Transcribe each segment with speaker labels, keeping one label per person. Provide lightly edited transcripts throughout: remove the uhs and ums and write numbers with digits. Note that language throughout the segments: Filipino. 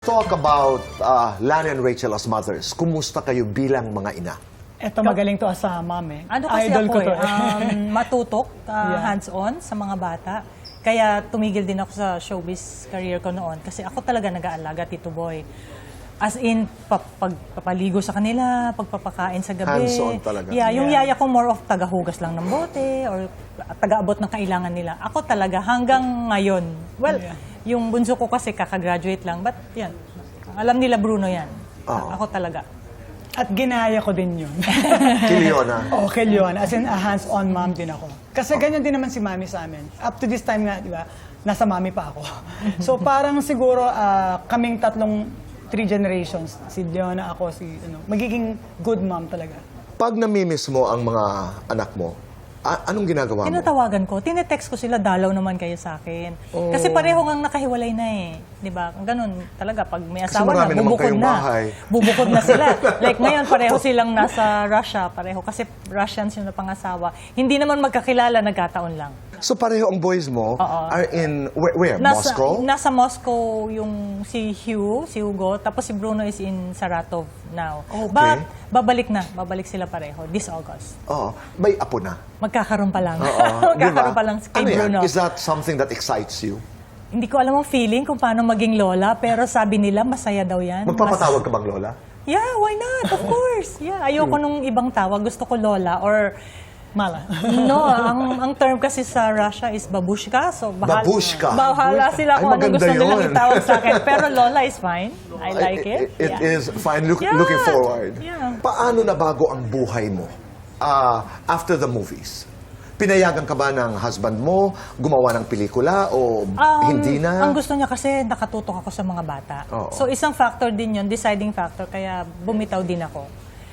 Speaker 1: Talk about Lani and Rachel as mothers. Kumusta kayo bilang mga ina?
Speaker 2: Eto, magaling to as a mom eh.
Speaker 3: Ano kasi
Speaker 2: Idol
Speaker 3: ako
Speaker 2: ko to
Speaker 3: matutok,
Speaker 2: Yeah.
Speaker 3: hands-on sa mga bata. Kaya tumigil din ako sa showbiz career ko noon. Kasi ako talaga nag-aalaga, Tito Boy. As in, pagpapaligo sa kanila, pagpapakain sa gabi.
Speaker 1: Hands-on talaga.
Speaker 3: Yeah, yung
Speaker 2: Yeah.
Speaker 3: yaya ko more of tagahugas lang ng bote or taga-abot ng kailangan nila. Ako talaga hanggang ngayon. Well,
Speaker 2: Yeah.
Speaker 3: yung bunso ko kasi kakagraduate lang. But yan, alam nila Bruno yan.
Speaker 1: Oo.
Speaker 3: Ako talaga.
Speaker 2: At ginaya ko din yun.
Speaker 1: Kiliona.
Speaker 2: Okay yun. As in, a hands-on mom din ako. Kasi ganyan din naman si mami sa amin. Up to this time nga, di ba, nasa mami pa ako. So parang siguro kaming three generations, si Leona, ako, magiging good mom talaga.
Speaker 1: Pag namimiss mo ang mga anak mo, anong ginagawa mo?
Speaker 3: Tinatawagan ko, tinetext ko sila, dalaw naman kayo sa akin. Kasi pareho ngang nakahiwalay na eh. Di ba? Ganun talaga, pag may
Speaker 1: Kasi
Speaker 3: asawa na,
Speaker 1: marami naman
Speaker 3: bubukod
Speaker 1: kayong
Speaker 3: na.
Speaker 1: bahay.
Speaker 3: Bubukod na sila. Like ngayon, pareho silang nasa Russia. Pareho, kasi Russians yung napangasawa. Hindi naman magkakilala, nagkataon lang.
Speaker 1: So pareho ang boys mo are in, where? Moscow?
Speaker 3: Nasa Moscow yung si Hugo, tapos si Bruno is in Saratov now.
Speaker 1: Okay.
Speaker 3: But babalik sila pareho this August.
Speaker 1: Oo. May apo na.
Speaker 3: Magkakaroon pa lang.
Speaker 1: Oo.
Speaker 3: Magkakaroon pa lang kay
Speaker 1: Ano yan?
Speaker 3: Bruno.
Speaker 1: Is that something that excites you?
Speaker 3: Hindi ko alam ang feeling kung paano maging lola, pero sabi nila masaya daw yan.
Speaker 1: Magpapatawag ka bang lola?
Speaker 3: Yeah, why not? Of course. Yeah, ayoko nung ibang tawag. Gusto ko lola or
Speaker 2: Mala.
Speaker 3: no, ang term kasi sa Russia is babushka. So
Speaker 1: Babushka.
Speaker 3: Bahala sila
Speaker 1: Ay,
Speaker 3: kung anong
Speaker 1: maganda
Speaker 3: gusto nilang
Speaker 1: yun.
Speaker 3: itawag sa akin. Pero lola is fine. I like it.
Speaker 1: It
Speaker 3: Yeah.
Speaker 1: is fine.
Speaker 3: Yeah.
Speaker 1: Looking forward.
Speaker 3: Yeah.
Speaker 1: Paano nabago ang buhay mo after the movies? Pinayagan ka ba ng husband mo gumawa ng pelikula o hindi na?
Speaker 3: Ang gusto niya kasi nakatutok ako sa mga bata.
Speaker 1: Oo.
Speaker 3: So isang factor din yun, deciding factor, kaya bumitaw din ako.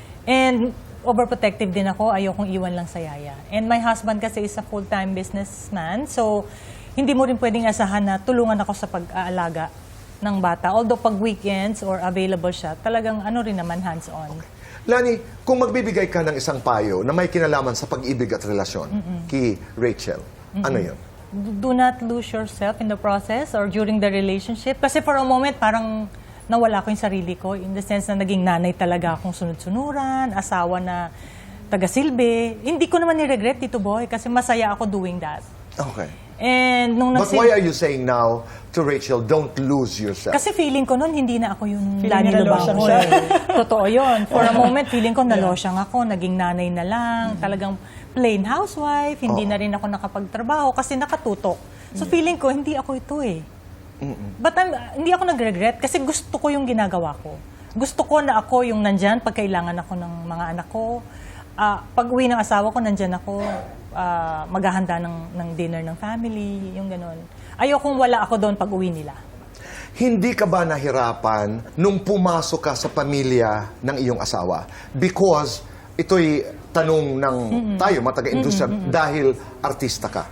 Speaker 3: And overprotective din ako, ayokong iwan lang sa yaya. And my husband kasi is a full-time businessman, so hindi mo rin pwedeng asahan na tulungan ako sa pag-aalaga ng bata. Although pag weekends or available siya, talagang ano rin naman hands-on.
Speaker 1: Lani, kung magbibigay ka ng isang payo na may kinalaman sa pag-ibig at relasyon kay Rachel, ano yun?
Speaker 3: Do not lose yourself in the process or during the relationship. Kasi for a moment, parang nawala ko yung sarili ko in the sense na naging nanay talaga akong sunod-sunuran, asawa na taga-silbi. Hindi ko naman ni-regret, Tito Boy, kasi masaya ako doing that.
Speaker 1: Okay.
Speaker 3: And nung
Speaker 1: But why are you saying now to Rachel, don't lose yourself?
Speaker 3: Kasi feeling ko noon, hindi na ako yung
Speaker 2: Feeling
Speaker 3: Lani
Speaker 2: niya nalosyang
Speaker 3: Lubango.
Speaker 2: siya.
Speaker 3: Totoo yun. For a moment, feeling ko nalosyang ako, naging nanay na lang, talagang plain housewife, hindi na rin ako nakapagtrabaho kasi nakatutok. So feeling ko, hindi ako ito eh. But hindi ako nag-regret kasi gusto ko yung ginagawa ko. Gusto ko na ako yung nandyan pag kailangan ako ng mga anak ko. Pag uwi ng asawa ko, nandyan ako. Maghahanda ng dinner ng family, yung gano'n. Ayokong wala ako doon pag uwi nila.
Speaker 1: Hindi ka ba nahirapan nung pumasok ka sa pamilya ng iyong asawa? Because ito'y tanong ng tayo, mga taga-industriya, dahil artista ka.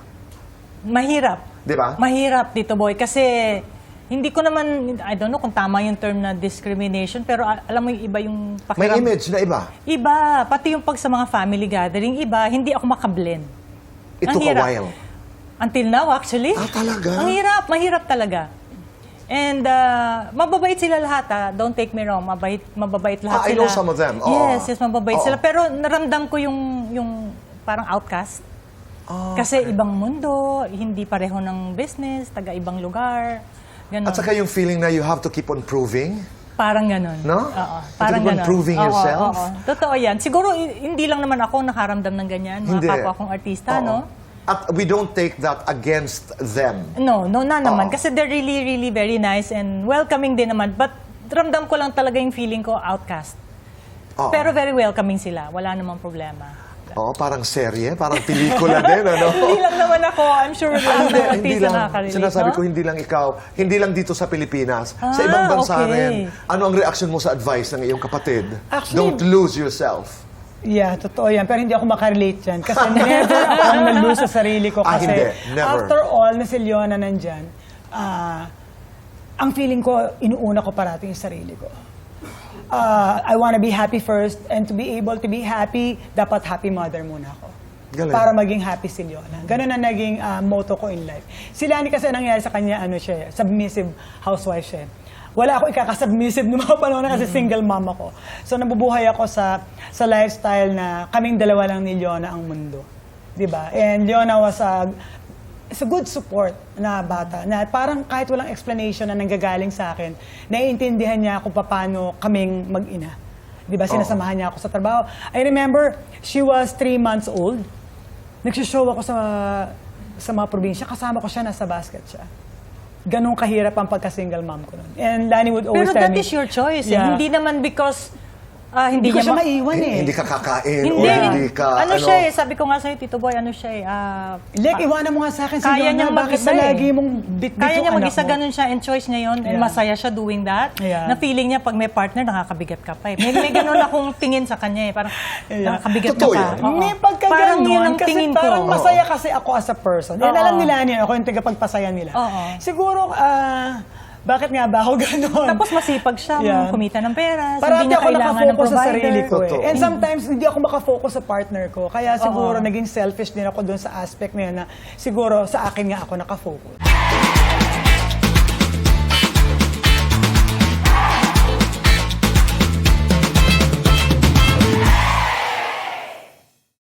Speaker 3: Mahirap.
Speaker 1: Di ba?
Speaker 3: Mahirap, Tito Boy. Kasi hindi ko naman, I don't know kung tama yung term na discrimination, pero alam mo yung iba yung
Speaker 1: May image na iba.
Speaker 3: Iba. Pati yung pag sa mga family gathering, iba. Hindi ako makablend.
Speaker 1: It
Speaker 3: Ang
Speaker 1: took a
Speaker 3: hirap.
Speaker 1: while.
Speaker 3: Until now, actually.
Speaker 1: Talaga?
Speaker 3: Ang hirap. Mahirap talaga. And mababait sila lahat, ha? Don't take me wrong. Mababait lahat
Speaker 1: I
Speaker 3: sila.
Speaker 1: know some of them. Oo.
Speaker 3: Yes, mababait
Speaker 1: Oo.
Speaker 3: sila. Pero naramdam ko yung parang outcast. Kasi ibang mundo, hindi pareho ng business, taga-ibang lugar. Ganon.
Speaker 1: At saka yung feeling na you have to keep on proving.
Speaker 3: Parang ganon.
Speaker 1: No?
Speaker 3: Oo.
Speaker 1: To
Speaker 3: Parang
Speaker 1: keep on
Speaker 3: ganon.
Speaker 1: proving
Speaker 3: Oo,
Speaker 1: yourself?
Speaker 3: oo. Totoo yan. Siguro hindi lang naman ako nakaramdam ng ganyan. Mga
Speaker 1: Hindi.
Speaker 3: kapwa kong artista,
Speaker 1: Oo.
Speaker 3: no?
Speaker 1: At we don't take that against them.
Speaker 3: No, na naman.
Speaker 1: Oo.
Speaker 3: Kasi they're really, really very nice and welcoming din naman. But ramdam ko lang talaga yung feeling ko outcast.
Speaker 1: Oo.
Speaker 3: Pero very welcoming sila. Wala namang problema.
Speaker 1: Oo, parang serye, parang pelikula din, ano?
Speaker 3: Hindi lang naman ako. I'm sure lahat ng artista nakaka-relate,
Speaker 1: Sinasabi
Speaker 3: no?
Speaker 1: ko, hindi lang ikaw, hindi lang dito sa Pilipinas, sa ibang bansa
Speaker 3: okay.
Speaker 1: rin. Ano ang reaction mo sa advice ng iyong kapatid?
Speaker 2: Actually-
Speaker 1: Don't lose yourself.
Speaker 2: Yeah, totoo yan. Pero hindi ako makarelate yan. Kasi never akong nalose sa sarili ko. Kasi
Speaker 1: hindi. Never.
Speaker 2: after all, na si Leona nandyan, ang feeling ko, inuuna ko parating yung sarili ko. I want to be happy first, and to be able to be happy, dapat happy mother muna ako.
Speaker 1: Galing.
Speaker 2: Para maging happy si Leona. Ganun na naging motto ko in life. Si Lani kasi nangyari sa kanya, ano siya, submissive housewife siya. wala ako ikakasubmissive noong mga panahon na kasi single mom ako. So nabubuhay ako sa lifestyle na kaming dalawa lang ni Leona ang mundo. 'Di ba? And Leona was it's a good support na bata na parang kahit walang explanation na nanggagaling sa akin, naiintindihan niya kung paano kaming mag-ina. 'Di ba? Sinasamahan niya ako sa trabaho. I remember she was 3 months old. Nagsishow ako sa mga probinsya, kasama ko siya, nasa basket siya. Ganun kahirap ang pagka-single mom ko nun. And Lani would always
Speaker 3: Pero
Speaker 2: tell
Speaker 3: that
Speaker 2: me,
Speaker 3: is your choice.
Speaker 2: Yeah.
Speaker 3: Hindi naman because
Speaker 2: Hindi ko
Speaker 3: niya
Speaker 2: siya maiwan eh.
Speaker 1: Hindi ka kakain
Speaker 3: Hindi.
Speaker 1: o hindi ka...
Speaker 3: Ano siya eh, sabi ko nga sa'yo, Tito Boy, ano siya eh,
Speaker 2: Like, iwanan mo nga sa akin si
Speaker 3: kaya
Speaker 2: Leona,
Speaker 3: niyang
Speaker 2: bakit
Speaker 3: mag-isa
Speaker 2: ba
Speaker 3: eh.
Speaker 2: lagi mong bit-bit
Speaker 3: Kaya
Speaker 2: yung
Speaker 3: niya
Speaker 2: anak
Speaker 3: mag-isa,
Speaker 2: mo?
Speaker 3: ganun siya, and choice niya yun, and
Speaker 2: Yeah.
Speaker 3: masaya siya doing that.
Speaker 2: Yeah.
Speaker 3: Na feeling niya, pag may partner, nakakabigat ka pa eh. May ganun akong tingin sa kanya eh, parang nakakabigat
Speaker 1: Totoo
Speaker 3: ka pa.
Speaker 1: yan.
Speaker 3: Oo.
Speaker 2: May pagka
Speaker 3: Parang
Speaker 2: ganun,
Speaker 3: yun ang
Speaker 2: kasi
Speaker 3: tingin
Speaker 2: parang
Speaker 3: ko.
Speaker 2: masaya kasi ako as a person. And
Speaker 3: Oo.
Speaker 2: alam nila niya, ako yung tagapagpasaya nila.
Speaker 3: Oo.
Speaker 2: Siguro, bakit nga ba ako ganun?
Speaker 3: Tapos masipag siya,
Speaker 2: Yeah.
Speaker 3: kumita ng pera,
Speaker 2: Parati
Speaker 3: hindi niya
Speaker 2: ako
Speaker 3: kailangan ng
Speaker 2: nakafocus sa
Speaker 3: provider.
Speaker 2: sarili ko eh.
Speaker 1: Totoo.
Speaker 2: And sometimes, hindi ako makafocus sa partner ko. Kaya siguro, naging selfish din ako dun sa aspect na yun na siguro sa akin nga ako nakafocus.